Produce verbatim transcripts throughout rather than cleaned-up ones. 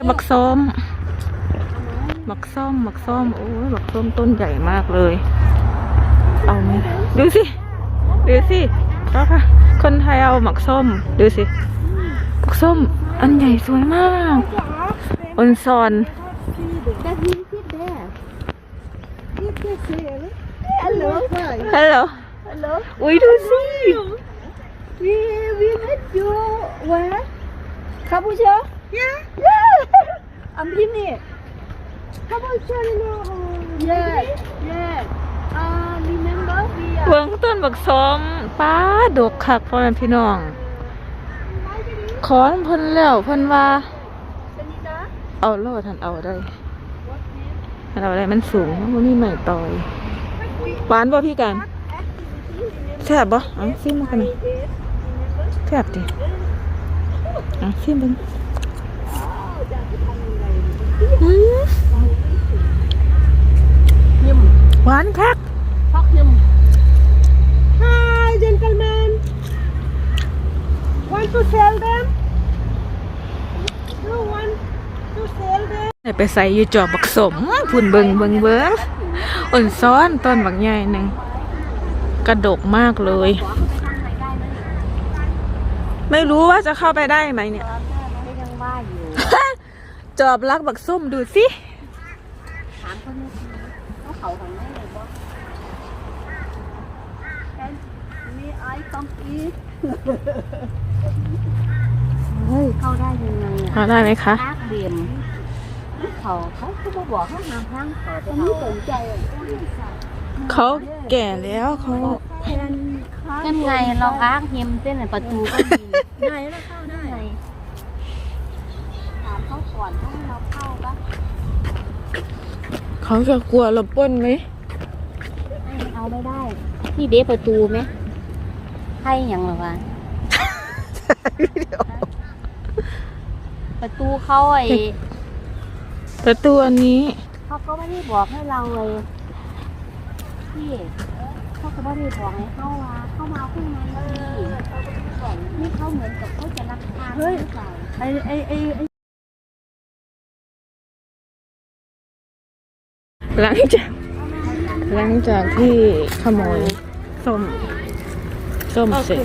บักส้มบักส้มบักส้มโอ้ยบักส้มต้นใหญ่มากเลยเอาไหมดูสิดูสิก็ค่ะคนไทยเอาบักส้มดูสิบักส้มอันใหญ่สวยมากอนซอนฮัลโหลฮัลโหลฮัลโหลอุ้ยดูสิ we we met you where Kabucha yeah yeah I'm Pini Kabucha no yeah yeah uh remember we เบิ่งต้นบักส้มป้าดกคักพ่อแม่พี่น้องขอนเพิ่นแล้วเพิ่นว่าเอาโลดทันเอาได้ทันเอาได้มันสูงมันมีใหม่ต่อยหวานบ่พี่กันแซ่บบ่เอาซิมมากันแซ่บดิเอาซิมเบิ่ง Nhum หวานคัก Hot nhum Hi gentlemen Want to sell them You want to sell them ไปใส่อยู่จอบบักสมพุ่นเบิงเบิงเบิงอ่อนซ้อนต้นบักใหญ่หนึ่งกระดกมากเลยไม่รู้ว่าจะเข้าไปได้ไหมเนี่ยจอบรักบักส้มดูสิถามคนนี้เขาเขาทางไหนเลยบ่มีไอต้องอีทเฮ้ยเข้าได้ยังไงอ่ะเข้าได้ไหมคะทักเดียมเขาเขาเขาบอกเขาห้ามทั้งเขาแต่ไม่สนใจเขาแก่แล้วเขานั่นไงเราอ้างเฮมเส้นประตูก็มีได้แล้วเข้าได้ถามเขาก่อนถ้าเราเข้าปะเขาจะกลัวเราปล้นไหมเอาไม่ได้ที่เดประตูไหมให้ยังหรอวะประตูเขาไอ้ประตูอันนี้เขาก็ไม่ได้บอกให้เราเลยพี่เขาก็ไม่ได้บอกให้เข้ามาเข้ามาขึ้นมานี่เขาเหมือนกับเขาจะรักษาหรือเปล่าไอ้ไอ้ไอ้หลังจากหลังจากที่ขโมยส้มส้มเสร็จส้ม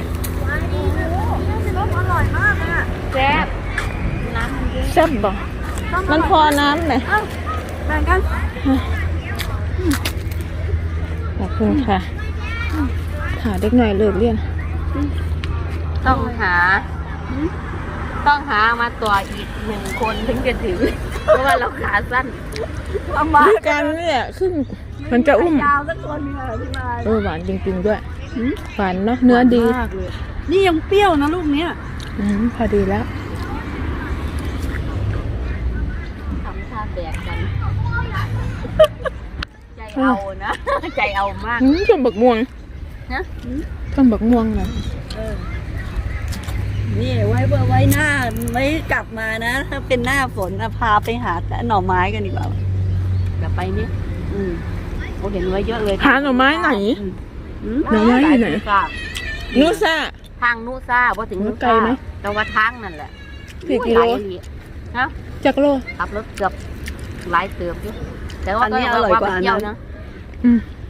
อร่อยมากเลยอะแซ่บน้ำมันเยอะแซ่บบ่มันพอน้ำไหมแบ่งกันขอบคุณค่ะหาเด็กหน่อยเลิกเรียนต้องหาต้องหามาตัวอีกหนึ่งคนถึงจะถึงเพราะว่าเราขาสั้นด้วยกันเนี่ยครึ่งมันจะอุ้มยาวสักคนนึงอะพี่มาเออหวานจริงๆด้วยหวานเนาะเนื้อดีนี่ยังเปรี้ยวนะลูกเนี้ยพอดีแล้วทำท่าแบกกันใจเอานะใจเอามากต้นบักม่วงนะต้นบักม่วงนะนี่ไว้เบอร์ไว้หน้าไม่กลับมานะถ้าเป็นหน้าฝนพาไปหาหน่อไม้กันดีกว่าเดี๋ยวไปนี่อืมโอ้เห็นไว้เยอะเลยหาหน่อไม้ไหนหน่อไม้อยู่ไหนนูซ่าทางนูซ่าว่าถึงนูซ่าแต่ว่าทางนั่นแหละสี่กิโลนะจักโลขับรถเกือบหลายเติบอยู่แต่ว่าก็อร่อยกว่านะอืม